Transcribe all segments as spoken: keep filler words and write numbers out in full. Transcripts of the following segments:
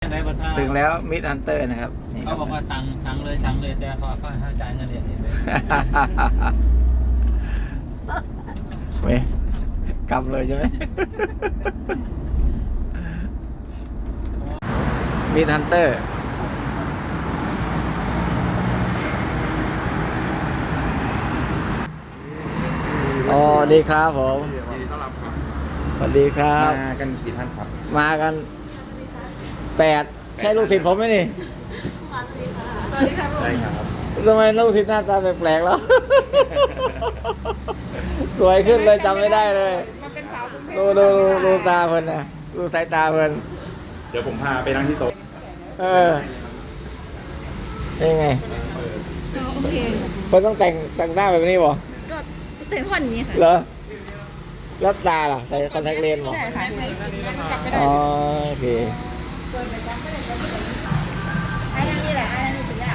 ไหนบัตรถึงแล้วมิดฮันเตอร์นะครับเขาบอกว่าสั่งสั่งเลยสั่งเลยแต่เขาเขาให้จ่ายเงินเดือนเองเลยเว้ยกำเลยใช่ไหมมิดฮันเตอร์อ๋อดีครับผมสวัสดีครับมากันกี่ท่านครับมากันแปดใช่ลูกศิษย์ผมไหมนี่สวัสดีครับใช่ครับทำไมลูกศิษย์หน้าตาแปลกๆแล้วสวยขึ้นเลยจำไม่ได้เลยดูดูดูดูตาเพิ่นนะดูสายตาเพิ่นเดี๋ยวผมพาไปนั่งที่โต๊ะเออเป็นไงโอเคเพิ่นต้องแต่งแต่งหน้าแบบนี้บ่ก็แต่งวันนี้ค่ะเหรอแล้วตาล่ะใส่คอนแทคเลนส์บ่ใช่ค่ะอ๋อโอเคไอ้นั่นนี่แหละไอ้นั่นนี่สุดแล้ว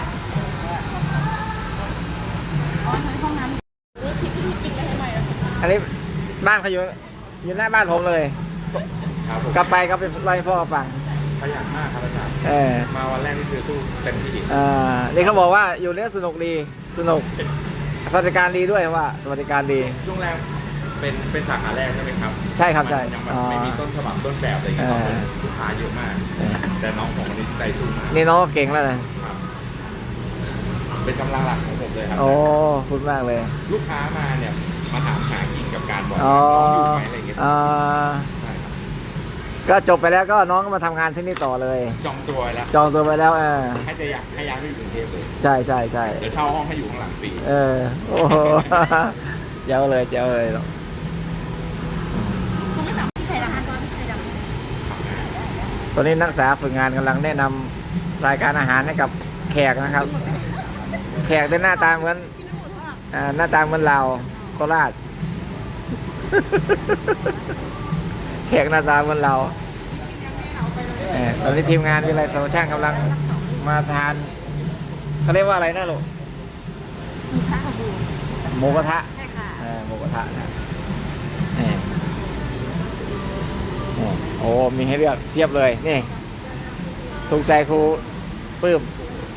อ๋อในห้องน้ำรู้ทิปที่ปิดกันให้ใหม่อันนี้บ้านเขาอยู่อยู่หน้าบ้านผมเลยกลับไปก็ไปไล่พ่อฟังขยันมากครับอาจารย์เออมาวันแรกนี่คือสู้เต็มที่อ่านี่เขาบอกว่าอยู่เนี้ยสนุกดีสนุกสวัสดิการดีด้วยว่าสวัสดิการดีช่วงแรกเป็นเป็นสาขาแรกใช่ไหมครับใช่ครับใช่ยังแบบไม่มีต้นฉบับต้นแบบอะไรเงี้ยลูกค้าเยอะมากแต่น้องของวันนี้ใจสู้มากนี่น้องเก่งแล้วนะเป็นกำลังหลักของผมเลยครับโอ้คุณมากเลยลูกค้ามาเนี่ยมาถามหากิ่งกับการบอกน้องอยู่ไหมอะไรเงี้ยก็จบไปแล้วก็น้องก็มาทำงานที่นี่ต่อเลยจองตัวแล้วจองตัวไปแล้วเออให้จะอยากให้ย้ายไปอยู่กรุงเทพเลยใช่ใช่ใช่เดี๋ยวเช่าห้องให้อยู่ข้างหลังฟรีเออโอ้เจ้าเลยเจ้าเลยหรอกตอนนี้นักศึกษาฝึกงานกำลังแนะนำรายการอาหารให้กับแขกนะครับแขกเป็นหน้าตาเหมือนหน้าตาเหมือนเราโคราชแขกหน้าตาเหมือนเราตอนนี้ทีมงานวิไลสาวช่างกำลังมาทานเขาเรียกว่าอะไรนะลูกหมูกระทะหมูกระทะนะโอ้มีให้เลือกเทียบเลยนี่ถูกใจครูปื้ม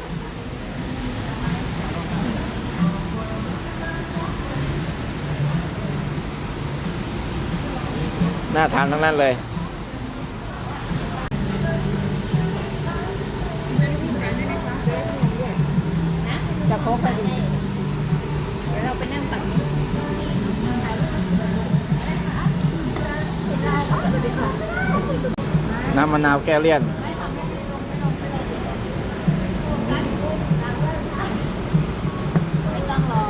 น่าทานทั้งนั้นเลยจะโค้กไปดีเดี๋ยวเราไปนั่งตักน้ำมะนาวแก้เลี่ยนไม่ต้องรอ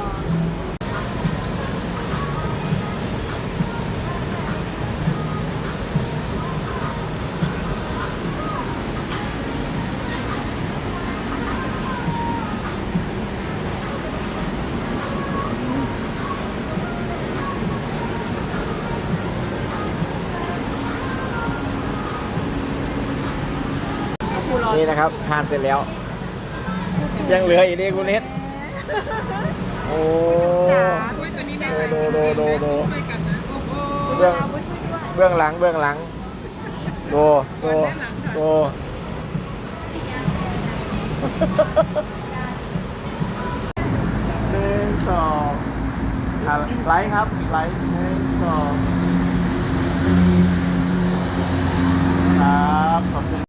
นี่นะครับทานเสร็จแล้วยังเหลืออีกนี่คุณเน็ตโอ้โดโดโดโดเบื้องเบื้องหลังเบื้องหลังโดโดโดหนึ่งสองไลค์ครับไลค์หนึ่งสองครับขอบคุณ